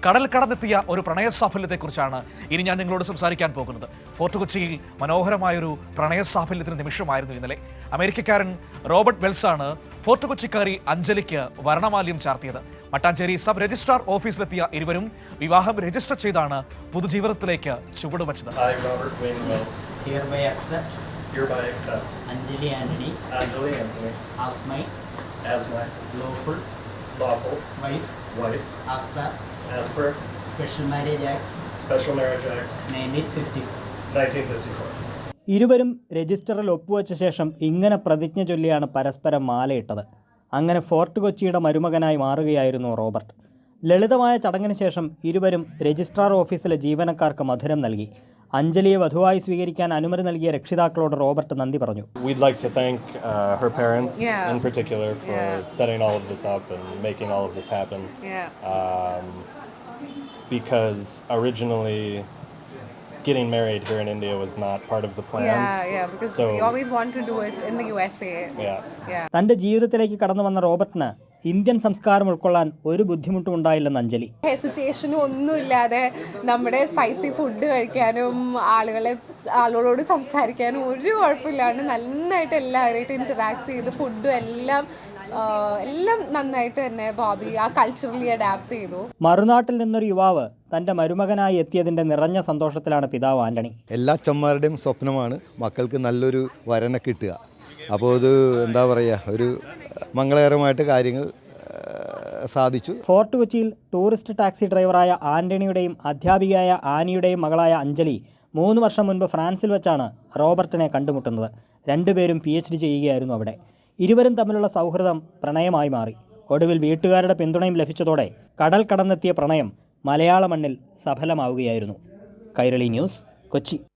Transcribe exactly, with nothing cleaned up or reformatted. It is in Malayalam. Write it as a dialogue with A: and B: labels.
A: കടൽ കടന്നെത്തിയ ഒരു പ്രണയ സാഫല്യത്തെക്കുറിച്ചാണ് ഇനി ഞാൻ നിങ്ങളോട് സംസാരിക്കാൻ പോകുന്നത്. ഫോർട്ട് കൊച്ചിയിൽ മനോഹരമായൊരു പ്രണയ സാഫല്യത്തിന് നിമിഷമായിരുന്നു ഇന്നലെ. അമേരിക്കക്കാരൻ റോബർട്ട് വെൽസാണ് ഫോർട്ട് കൊച്ചിക്കാരി അഞ്ജലിക്ക് വർണ്ണമാല്യം ചാർത്തിയത്. മട്ടാഞ്ചേരി സബ് രജിസ്ട്രാർ ഓഫീസിലെത്തിയ ഇരുവരും വിവാഹം രജിസ്റ്റർ ചെയ്താണ് പുതുജീവിതത്തിലേക്ക് ചുവടുവച്ചത്.
B: Hereby accept
C: Anjali Anthony
B: Anjali Anthony
C: as my
B: as my
C: lawful
B: lawful
C: wife
B: wife
C: as per
B: as per
C: Special Marriage Act
B: Special Marriage Act
C: nineteen fifty-four.
B: nineteen fifty-four.
D: ഇരുവരും രജിസ്റ്ററിൽ ഒപ്പുവെച്ച ശേഷം ഇങ്ങനെ പ്രതിജ്ഞ ചൊല്ലിയാണ് പരസ്പരം മാലയിട്ടത്. അങ്ങനെ ഫോർട്ട് കൊച്ചിയുടെ മരുമകനായി മാറുകയായിരുന്നു റോബർട്ട്. ലളിതമായ ചടങ്ങിന് ശേഷം ഇരുവരും രജിസ്ട്രാർ ഓഫീസിലെ ജീവനക്കാർക്ക് മധുരം നൽകി. അഞ്ജലിയെ വധുവായി സ്വീകരിക്കാൻ അനുമതി നൽകിയ രക്ഷിതാക്കളോട് റോബർട്ട് നന്ദി പറഞ്ഞു.
E: We'd like to thank uh, her parents
F: yeah.
E: in particular for
F: yeah.
E: setting all of this up and making all of this happen.
F: Yeah.
E: Um, because originally getting married here in India was not part of the plan.
F: Yeah, yeah, because
E: so,
F: we always want to do it in the U S A.
E: Yeah.
F: Yeah.
D: തൻ്റെ ജീവിതത്തിലേക്ക് കടന്നു വന്ന റോബർട്ടിന് ഇന്ത്യൻ സംസ്കാരം ഉൾക്കൊള്ളാൻ ഒരു ബുദ്ധിമുട്ടും ഉണ്ടായില്ലെന്ന് അഞ്ജലി.
F: ഹെസിറ്റേഷനും ഒന്നുമില്ലാതെ നമ്മുടെ സ്പൈസി ഫുഡ് കഴിക്കാനും ആളുകളെ ആളുകളോട് സംസാരിക്കാനും ഒരു കുഴപ്പമില്ലാണ്ട് നന്നായിട്ട് എല്ലാവരുമായിട്ട് ഇൻറ്ററാക്ട് ചെയ്ത് ഫുഡും എല്ലാം എല്ലാം നന്നായിട്ട് തന്നെ ബോബി ആ കൾച്ചറലി അഡാപ്റ്റ് ചെയ്തു.
D: മറുനാട്ടിൽ നിന്നൊരു യുവാവ് തൻ്റെ മരുമകനായി എത്തിയതിൻ്റെ നിറഞ്ഞ സന്തോഷത്തിലാണ് പിതാവ് ആന്റണി.
G: എല്ലാ അച്ഛന്മാരുടെയും സ്വപ്നമാണ് മക്കൾക്ക് നല്ലൊരു വരനെ കിട്ടുക. അപ്പോൾ ഇത് എന്താ പറയുക, ഒരു മംഗളകരമായിട്ട് കാര്യങ്ങൾ സാധിച്ചു.
D: ഫോർട്ട് കൊച്ചിയിൽ ടൂറിസ്റ്റ് ടാക്സി ഡ്രൈവറായ ആന്റണിയുടെയും അധ്യാപികയായ ആനിയുടെയും മകളായ അഞ്ജലി മൂന്ന് വർഷം മുൻപ് ഫ്രാൻസിൽ വെച്ചാണ് റോബർട്ടിനെ കണ്ടുമുട്ടുന്നത്. രണ്ടുപേരും പി എച്ച് ഡി ചെയ്യുകയായിരുന്നു അവിടെ. ഇരുവരും തമ്മിലുള്ള സൗഹൃദം പ്രണയമായി മാറി. ഒടുവിൽ വീട്ടുകാരുടെ പിന്തുണയും ലഭിച്ചതോടെ കടൽ കടന്നെത്തിയ പ്രണയം മലയാള മണ്ണിൽ സഫലമാവുകയായിരുന്നു. കൈരളി ന്യൂസ്, കൊച്ചി.